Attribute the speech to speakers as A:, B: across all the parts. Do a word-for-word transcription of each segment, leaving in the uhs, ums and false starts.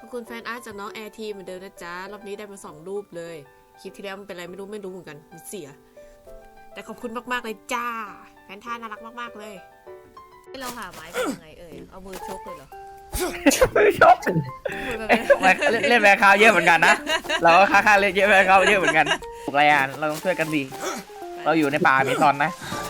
A: อบคุณแฟนอาร์ตจากน้องแอร์ทีเหมือนเดิมนะจ๊ะรอบนี้ได้มาสองรูปเลยคลิปที่แล้วมันเป็นอะไรไม่รู้ไม่รู้เหมือนกันมันเสียแต่ขอบคุณมากๆเลยจ้าแฟนท่าน่ารักมากๆเลยให้เราหาไม้เป็นยังไงเอ่ยเอามือชกเลยเหรอ
B: มือชกเล่นแบคาวเยอะเหมือนกันนะเราก็ค่าค่าเล่นเยอะแบคาวเยอะเหมือนกันถูกไรอ่ะเราต้องช่วยกันดีเราอยู่ในป่ามีตอนนะ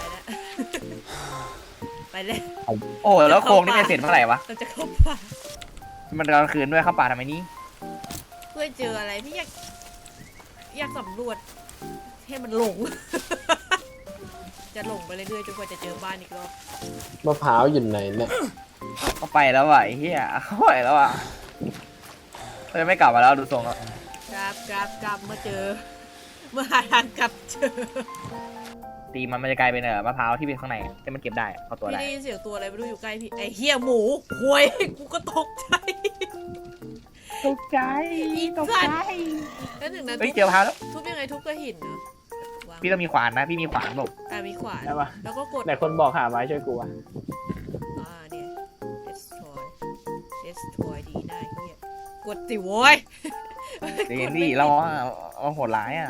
A: ไปเลย
B: โอ้แล้วโครงนี่ไม่เสร็จเมื่อไหร่วะ
A: เราจะเข้าป่า
B: มันกลางคืนด้วยเข้าป่าทำไมนี้
A: เพื่อเจออะไรพี่อยากอยากสำรวจให้มันหลงจะหลงไปเรื่อยๆจนกว่าจะเจอบ้านอีกรอบ
C: มะพร้าวอยู่ไหนเนี่ย
B: เขาไปแล้วว่ะไอ้เหี้ยเขาไปแล้วอ่ะเขาจะไม่กลับมาแล้วดูทรงแล้ว
A: กลับกลับกลับเมื่อเจอเมื่อหาทางกลับเจอ
B: ตีมันมันจะกลายเป็นเออมะพร้าวที่เป็นข้างในที่มันเก็บได้เอาตัวได้
A: พี่ได้ยินเสียงตัวอะไรไม่รู้อยู่ใกล้พี่ไอ้เหี้ยหมูหวยกูก็ตกใจ
B: ตกใจ
A: ตกใจแล้วถึงนั้น
B: เฮ้ยเจอมะพร้าวแล้ว
A: ทุบยังไงทุบก็หินเนาะ
B: พี่ต้องมีขวานนะพี่มีขวานบอก
A: อ่ามีขวานแล้วก็กด
C: ไหนคนบอกหาไม้ช่วยกูอ่ะ
A: อ่าเนี่ย destroy destroy ดีได้เหี้ยกดสิโว้ย
B: เดี๋ยวนี่เราเอาโหดร้ายอ่ะ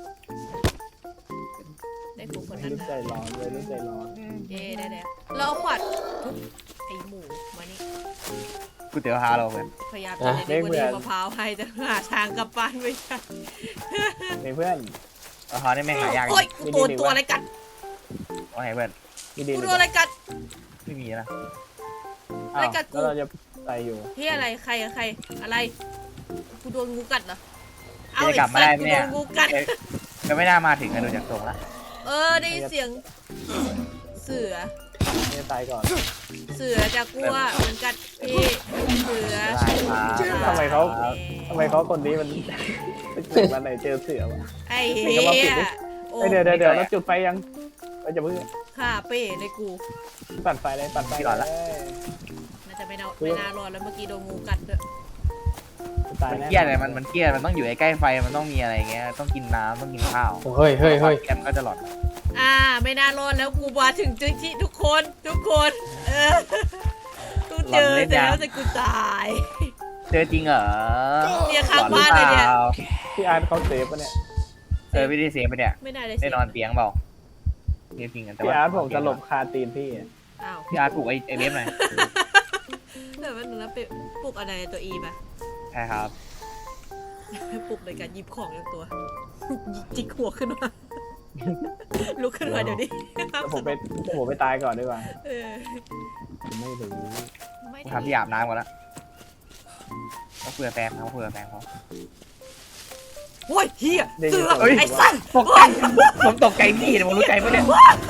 A: ได้ปุ๊บคนนั้นนะ
C: ใจร้อนเลยใจร้อน
A: เย้ได้แล้วเราเอาขวานทุบไอหมูมานี่
B: กูเตี๋ยวฮาเราเหมือน
A: พยายามจะเล่นวันนี้มะพร้าวให้แต่หาทางกลับบ้านไม่ใช่
C: เพื่อน
B: มะพร้าวนี่แม่งหายาก
A: โอ้ยตัวตัวอะไรกัด
B: ว่าไงเพื่อน
A: กูโดนอะไรกัด
B: ไม่มีนะ
A: อะไรกัดกู
C: เราจะไปอยู่
A: ที่อะไรใครใครอะไรกูโดนงูกัดเหรอ
B: เอากลับมาได้ไหมเนี่ย
A: งูกัด
B: ก็ไม่น่ามาถึงกันดูจากตรงละ
A: เออได้เสียงเสือ
C: ไม่ตายก่อน
A: เสือจะกลัวมันกัดพี่เสือ
C: ทำไมเขาทำไมเขาคนนี้มันเกิดมาไหนเจอเสือวะ
A: ไอ้เหี้ย
C: เดี๋ยวเดี๋ยวเดี๋ยวเราจุดไฟยังเราจะเพิ่ง
A: ฆ่าเป้ในกู
C: ปั่นไฟเลยปั่นไฟก่อนละ
A: น่าจะไม่น่าไม่น่ารอดแล้วเมื่อกี้โดนงูกัดด้วย
B: มันเครียดเลยมันมันเครียดมันต้องอยู่ใกล้ไฟมันต้องมีอะไรเงี้ยต้องกินน้ำต้องกินข้าว
C: เฮ้ยเฮ้ยเฮ้ย
B: แกมก็จะหลอด
A: อ่าไม่น่ารอดแล้วกูมาถึงจุดที่ทุกคนทุกคนเออกูเจอแล้วแต่กูตาย
B: เจอจริงเหรอ
A: เนี่ยข้างบ้านเลยเนี่ย
C: พี่อาร์ตเขาเซฟปะเนี่ย
B: เออไม่ได้เซฟปะเนี่ย
A: ไม่ได้เลย
B: ได้นอนเตียงเปล่าจริงๆแต่ว่า
C: พี่อาร์ตผมจะหลบคาตีนพี่
A: อ้าว
B: พี่อาร์ตปลุกไอ้ไอ้เล็บหน่อย
A: เดี๋ยวมันแล้วไปปลุกอะไรตัวอีป่ะ
B: ใช่ครับ
A: ปลุกในการหยิบของอย่างตัวจิกหัวขึ้นมาลุกขึ้นมาเดี๋ยวนี้
C: ผมไปผมไปตายก่อนดีกว่า
A: เออ
C: ไม่รู้
B: กูทำที่อาบน้ำก่อนละเขาเผื่อแฟนเขาเผื่อแฟนเขา
A: โอ้ยเฮียเสือไอ้สัตว์
B: ตกใจผมตกใจพี่แต่ผมรู้ใจปะเนี่ย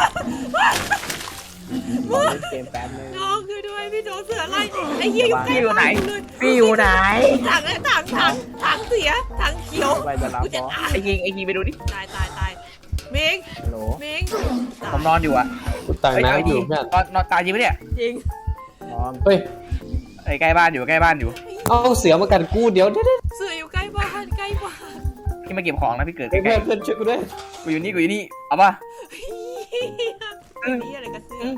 C: เกมแป๊บนึง
A: น้องคือด้วยพี่โดนเสือไล่ไอ้เฮียอยู่ใกล้
B: ไหนพี่อยู่ไหน
A: ถังถังถังถังเสียถังเขียว
C: กูจะตาย
B: ไอ้ยิงไอ้ยิงไปดูดิ
A: ตายตายตายเม้งเม้ง
B: ผมนอนอยู่อะ
C: กูตายนะอยู่
B: นอนนอนตายจริงปะเนี่ย
A: จริง
C: นอนเฮ้ย
B: ไอ้ใกล้บ้านอยู่ใกล้บ้านอยู่
C: เอาเสือมากันกูเดี๋ยว
A: เสืออยู่ใกล้บ้านใกล้บ้าน
B: พี่มาเก็บของนะพี่เกิด
C: เพื่อนเพื่อนช่วยกูด้วย
B: กูอยู่นี่กูอยู่นี่เอาป่ะ
A: นี่อะไรกับเสือ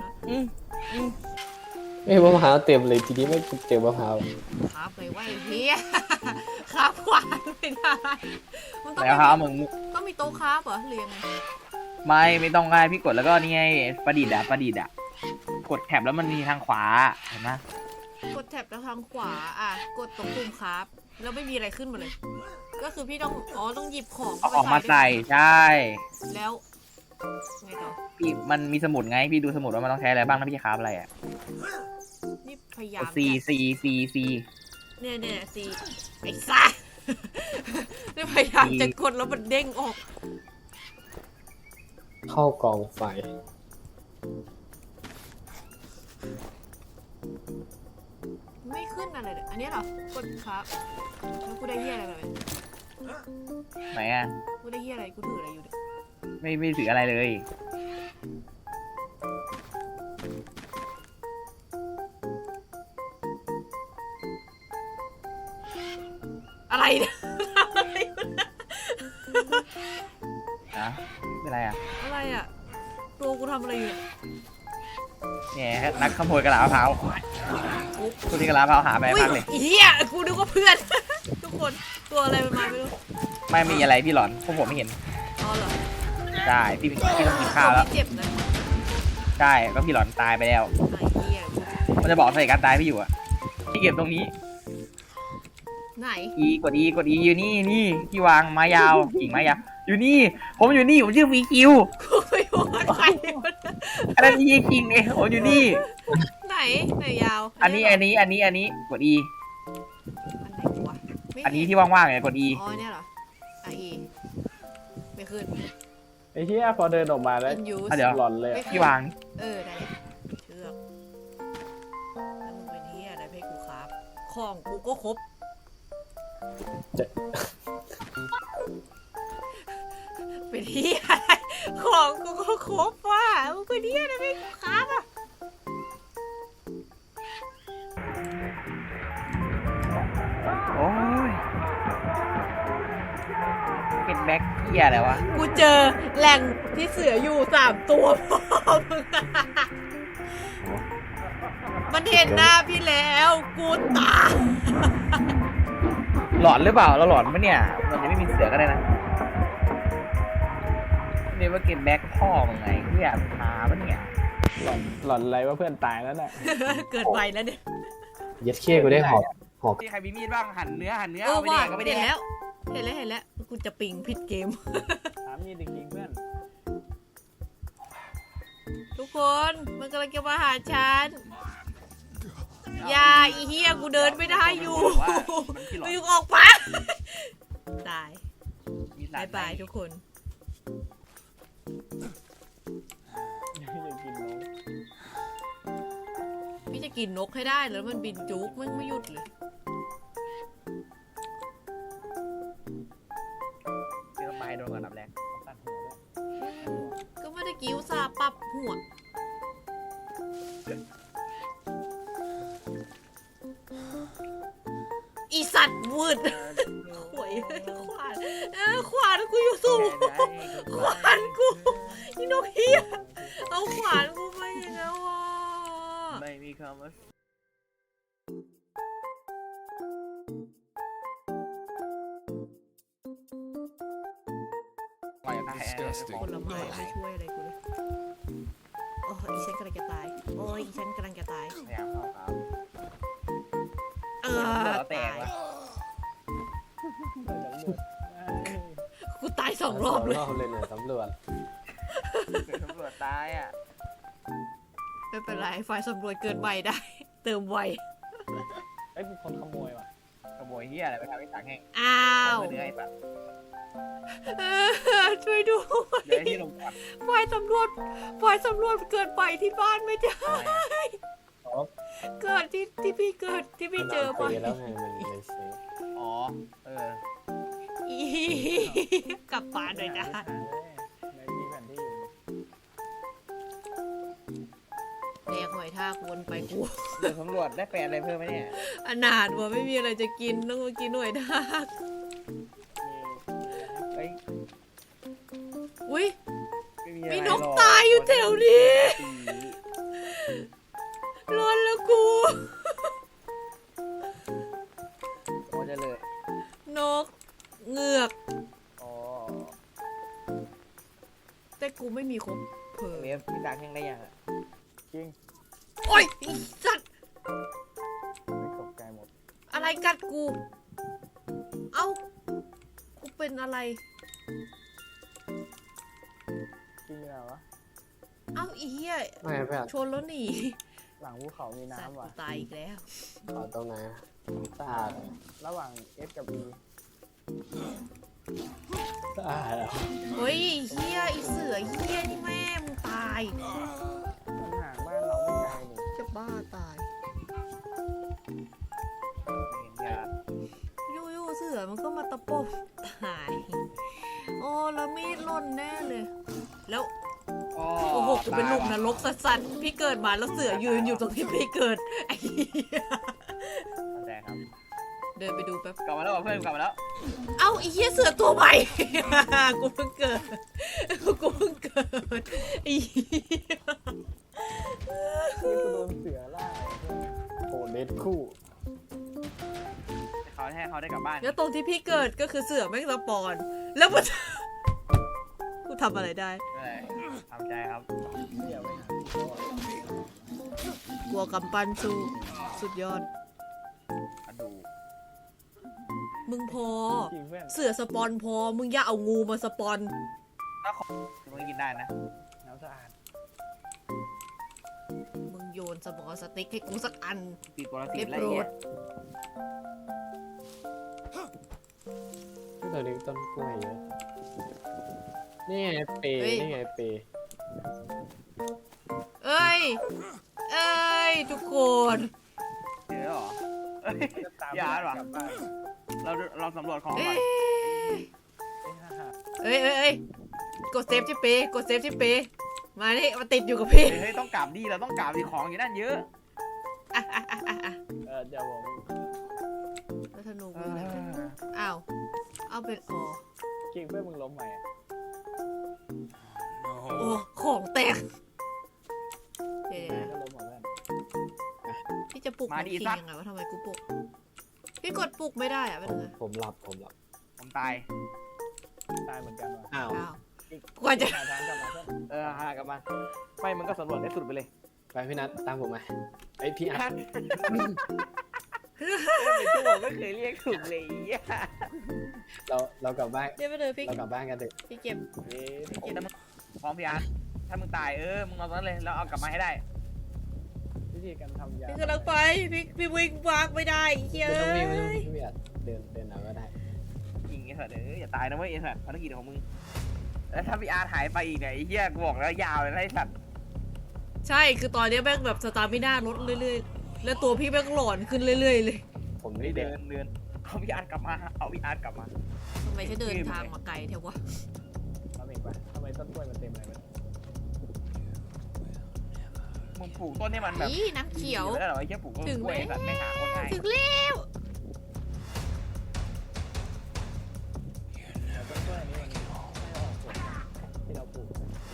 C: เอ้ยมะพร้าวเต็มเลยทีนี้ไม่เจอมะพร้าว
A: ครับไปไหวเฮียครับขวานไม่ได้
B: มันต้องแล้วครับมึง
A: ต้องมีโต๊ะครับเหรอเรียนไง
B: ไม่ไม่ต้องง่ายพี่กดแล้วก็นี่ไงประดิษฐ์อะประดิษฐ์อะกดแถบแล้วมันมีทางขวาเห็นไหม
A: กดแถบแล้วทางขวาอ่ะกดตรงปุ่มครับแล้วไม่มีอะไรขึ้นมาเลยก็คือพี่ต้องอ๋อต้องหยิบของ
B: ออกมาใส่ใช่
A: แล้วไงต่อ
B: พี่มันมีสมุดไงพี่ดูสมุดว่ามันต้องใช้อะไรบ้างนะพี่จะคราฟอะไรอ่ะ
A: นี่พยายาม
B: ซีซีซีซี
A: เนี่ยเนี่ยซีไอ้ซ่านี่พยายามจะกดแล้วมันเด้งออก
C: เข้ากองไฟ
A: ไม่ขึ้นอะไรเลยอันนี้เหรอกดครับแล้วกูได้เหี้ยอะไรแบบ
B: ไหนอ่ะ
A: กูได้เหี้ยอะไรกูถืออะไรอยู่เนี่ย
B: ไม่ไม่ถืออะไรเลย
A: อะไรเนี่ย
B: อะเป็นไรอ่ะ
A: อะไรอ่ะตัวกูทำอะไรอยู่
B: เนี่ยนักขโมยกระดาษมะพร้าว
A: อุ๊บ
B: คุณที่กระลาเผาหาไป
A: อุ้ย
B: มากเลย
A: เฮียกูนึกว่าเพื่อน ทุกคนตัวอะไรมันมาไม่รู้
B: ไม่มีอะไรพี่หลอนพวกผมไม่เห็น
A: อ๋อเหรอ
B: ใช่พี่พี่ต้องกินข้าวแล้ว
A: เจ็บนะ
B: ใช่ก็พี่หลอนตายไปแล้ว
A: ไอ้เฮีย
B: มันจะบอกสาเหตุการตายพี่อยู่อะพี่เก็บตรงนี้
A: ไหน
B: อีกดอีกดอีอยู่นี่นี่ที่วางไม้ยาวกิ่งไม้ยาวอยู่นี่ ผมอยู่นี่ผมชื่อวีคิว
A: กูไม่รู้ว่าใครมัน
B: อันนั้นอีคิงเองผมอยู่นี่
A: ไหนไหนยาว
B: อันนี้อันนี้อันนี้อันนี้กดอี
A: อันไหนวะไม่
B: อันนี้ที่ว่างๆเนี่ยกดอี
A: อ๋อเนี่ยเหรออ่ะอีไม่ขึ้น
C: ไอ้เหี้ยพอเดินออกมาแล้ว
A: in use
B: อ่ะเดี๋ยว
C: หลอนเลยอะ
B: ที่วาง
A: เออได้เชือกแล้วมึงเป็นเฮียอะไรให้กูครับของกูก็ครบ
C: เจ๊
A: เป็นเฮียอะไรของกูก็ครบว่ะมึงเป็นเฮียอะไรให้กูครับอ่ะ
B: โอ้ยเป็นแบ็คเกียอะไรวะ
A: กูเจอแหล่งที่เสืออยู่สามตัวพ่อมึงอะมันเห็นหน้าพี่แล้วกูตาย
B: หลอนหรือเปล่าเราหลอนปะเนี่ยมันจะไม่มีเสือก็ได้นะเรียกว่าเก็บแบ็คพ่อมึงไงเฮียพาปะเนี่ย
C: หลอนหลอนอะไรว่าเพื่อนตายแล้วน่ะ
A: เกิดไวแล้วเนี่ย
D: เย็ดเค้กูได้หอบหอบ
B: มีใครมีมีดบ้างหั่นเนื้อหั่นเนื้อ
A: เออ
B: เอาไป
A: ว่า
B: แดกก็ไปแด
A: เห็น
B: ก
A: แล้วเห็นแล้วเห็นแล้วกูจะปิงผิดเกม
C: ถามมีจริงๆเพื่อน
A: ทุกคนมันกำลังจะมาหาฉันอย่าอีเฮียกูเดินไม่ได้อยู่กูอยู่ออกปะตาย
B: มีสา
A: บาร ยบายทุกคน
C: ยังจะกินน้อง
A: พี่จะกินนกให้ได้แล้วมันบินจุกมันไม่หยุดเลย
B: เจอไม้โดนก่อนนับแรก
C: ตัดหัวด้วย
A: ก็ไม่ได้กิ้วซาปรับหัวอีสัตว์วืดขวยขวานเออขวานกูอยู่สูงขวานกูอีนกเฮียเอาขวานกูไปอีกแล้วอ่ะ
B: ไม่มีคำว่าปล่อยตายไอ้ของ
A: ผลไม้ไม่ช่วยอะไรกูเลยโอ้ยอีฉันกำลังจะตายโอ้ยอีฉันกำลังจะตาย
B: พยายามเข้าครับ
A: เอ
B: หั
A: อ
B: วแต
A: ตาก ยว
B: ะ
A: กูตายสองรอบเลย
D: รอบเลยเนี่ยตำรวจ
B: เกิดตำรวจตายอ่ะ
A: ไม่เป็นไรฝ่ายสำรวจเกินใบได้ เติมไว
C: เอ้ยมีคนขโมยว่ะ
B: ขโมยเฮียอะไรไปทำให้สังแห้ง
A: อ้าว
B: เนื้อไอ้สัตว์
A: เออช่วยด้วย
B: เดี๋ยวที่ลงก่อน
A: ฝ่ายสำรวจฝ่ายสำรวจเกิดใบที่บ้านไม่ได้
C: อ๋อ
A: เกิดที่ที่พี่เกิดที่พี่เจอ
D: ไป
A: ใบ
D: แล้วไงมันเลยเซฟ
B: อ๋อเออ
A: อีกลับบ้านหน่อยได้
C: ในมีแผนที่อยู่
A: แดกหอยทากวนไปกู
B: เดี๋ยวตำรวจได้แปลอะไรเพิ่มไหมเนี่ย
A: อนาถว่าไม่มีอะไรจะกินต้องมากินหอยทาก
B: เฮ้ย
A: อุ้ย
B: ไม่มีอะไร
A: มีนก
B: หรอ
A: ตายอยู่แถวนี้ร้อนแล้วกู
B: โอ้จะเลย
A: นกเงือก
B: อ๋อ
A: แต่กูไม่มีครบเพอ
B: เวฟพี่สังแห้งได้ยังอ่ะ
C: จริง
A: โอ้ยไอ้สัตว์
C: ไม่ตกใจหมด
A: อะไรกัดกู เอ้า กูเป็นอะไร
C: จริงเหรอวะ
A: เอ้าอีเหี้ย
D: ไม่เพื่อน
A: ชนแล้วหนี
C: หลังภูเขามี
A: สัตว์
C: น้ำ
A: กู
C: ว่ะ
A: ตายอีกแล้ว
D: ขอตรงไหนสะอาด
C: ระหว่าง S กับ E
D: สะอาดเหรอ
A: เฮ้ยไอ้เหี้ยไอีเสือเหี้ยนี่แม่มึงตาย
C: มันห่างบ้านเราไม่ไกลนี่
A: จะบ้าตาย
B: เห็นยา
A: ยู่ๆเสือมันก็มาตะปบตาย โอ้แล้วมีดหล่นแน่เลย แล้ว โอ้โหกูเป็นลูกนรกสัสๆพี่เกิดมาแล้วเสือยืนอยู่ตรงที่พี่เกิดไอ้เหี้ย
B: เข้าใจครับ
A: เดินไปดูแป๊บ
B: กลับมาแล้วเหรอเพื่อนกลับมาแล้ว
A: เอ้าไอ้เหี้ยเสือตัวใหม่ กูเพิ่งเกิด กูเพิ่งเกิดไอ้เหี้ย
C: นี่กูโดนเสือล่าเพื่อน
D: โหดเม็ดคู่
B: เขาให้เขาได้กลับบ้าน
A: แล้วตรงที่พี่เกิดก็คือเสือแม่งสปอน แล้วมัน กูทำอะไรได้
B: เออทำใจครับ
A: กลัวกำปั้นสู้สุดยอด
B: กระดูก
A: มึงพอ
C: จริงเพื่อน
A: เสือสปอนพอ มึงอย่าเอางูมาสปอน
B: ถ้าของมึงกินได้นะ
C: น้ำสะอาด
A: มึงโยนสมอสติ๊กให้กูสักอัน
B: ติดปรสิ
A: เรี
B: ต
A: ยบ
B: อะไร
A: ร้อ
B: เงี้
A: ย
B: ย
D: ที่ตัวนี้ต้นกล้วยเยอะนี่ไงเปย์นี่ไงเปย์
A: เอ้ย เอ้ย ทุกคน
B: เจอเหรอเอ้ย
C: จะตาม
B: อย่าหรอ
C: กลับบ้าน
B: เราเราสำรวจของ
A: เอ้
B: ก่อน
A: ย เอ้ยเอ้ยเอ้ยกดเซฟที่เปกดเซฟที่เปมานี่มาติดอยู่กับพี่
B: เฮ้ยต้องกลับดีเราต้องกลับดีของอยู่นั่นเยอะ
A: อ่ะอ่ะอ่ะอ่ะอ่ะ
C: เออเดี๋ยวผม
A: แล้วธนูกูอยู่ไหนวะอ้าว เอาเป็นอ๋อ
C: จริงเพื่อนมึงล้มไหมอะ
A: โอ้ ของแตก เดี๋ยว
C: ก็ล้มหมดเพื่อน
A: ๆพี่จะปลุกน้องคิงยังไงวะทำไมกูปลุก พี่กดปลุกไม่ได้อะเป็น
D: ผม
A: ไง
D: ผมหลับผมหลับ
B: ผมตาย
C: ตายเหมือนกันว่ะ
D: อ้าว
A: อ้าวกว่าจะ
C: หาทางกลับมาเพื่อน
B: เออหากลับมาไม่มึงก็สำรวจได้สุดไปเลย
D: ไปพี่นัทตามผมมาไอยพี่อัด
B: ไม่ถูกไม่เคยเรียกถูกเลยอ่ะ
D: เราเรากลับบ้าน
A: เดี๋ยวไปเลยพี่
D: เรากลับบ้านกันเถอะ
A: พี่เก็บ
C: เอ๊ะ
A: พี่เก็บ
B: ถ้ามึงพร้อมพี่อาร์ตถ้ามึงตายเออมึงเอาตอนนั้นเลยแล้วเอากลับมาให้ได้
C: วิธีการทำยา
A: พี่กำลังไป พี่พี่วิ่งวางไม่ได้เฮ้ย
D: ไม่ต้องวิ่งไม่ต้องวิ่งพี่อัดเดินเดินเอาก็ได้
B: ยิงไอ้สัตว์เอออย่าตายนะเว้ยไอ้สัตว์ภารกิจของมึงแล้วถ้าพี่อาร์ตหายไปอีกเนี่ยไอ้เหี้ยกูบอกแล้วยาวเลยนะไอ้สัตว์
A: ใช่ คือตอนนี้แม่งแบบสตาร์มิน่าลดเรื่อยๆ แล้วตัวพี่แม่งหลอนขึ้นเรื่อยๆเลย
D: ผม
B: เฮ้
D: นี่
B: ย
D: เดิ
B: เดิ
D: น
B: นเดินเอาพี่อาร์ตกลับมาเอาพี่อาร์ตกลับมา
A: ทำไมฉันเดินทางมาไกลเทวะ
C: ทำเองไปทำไมต้นกล้วยมันเต็มเลยมัน
B: มึงปลูกต้นนี่มันแบบ
A: นี่น้ำเขียว
B: แล้วเหรอไอ้เหี้ยปลูกต้น
A: ถึง
B: กล้วย
A: ไหม
B: ไอ้สัตว์ไม่หาคนง่าย
A: ถึงแล้ว
C: แต่ต้นกล้วยอันนี้มันไม่ออกผลที่เราปลูก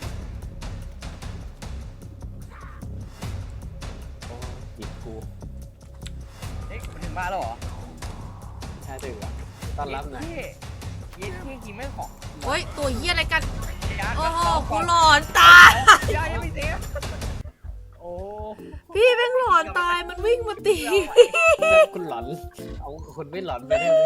D: โอ้จิบกู
B: เอ๊ะมันถึงบ้านแล้วเหรอ
D: ถ้าถึงอ่ะต้อนรับหน่อย
B: เย้เย้ที่กินไม่ของ
A: โอ้ย ตัวเหี้ยอะไรกัน
B: พี่อาร์ต
A: โอ้โห
B: เอา
A: กู
B: ก่อน
A: หลอนตาย
B: พี่อาร์ตยังไม่เสีย
C: โอ้
A: พี่แม่งหลอนตาย มันวิ่งมาตี
D: คุณหลอนเอาคนไม่หลอนไปได้ไหม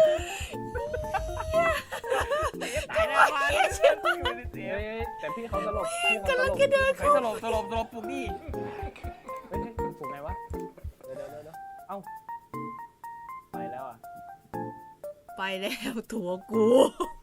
B: ตายแน่วะยังไม่ได้เสีย
C: เฮ้ยแต่พี่เขาตลบพี่เขาต
A: กำ
C: ล
A: ลัง
C: บ
A: จะเดิน
B: เฮ้ยสลบสลบสลบปลูกดิ
C: เฮ้ยปลูกไงวะเดี๋ยวเดี๋ยวเดี๋ยวเดี๋ยวเอ้าไปแล้วอ่ะ
A: ไปแล้วตัวกู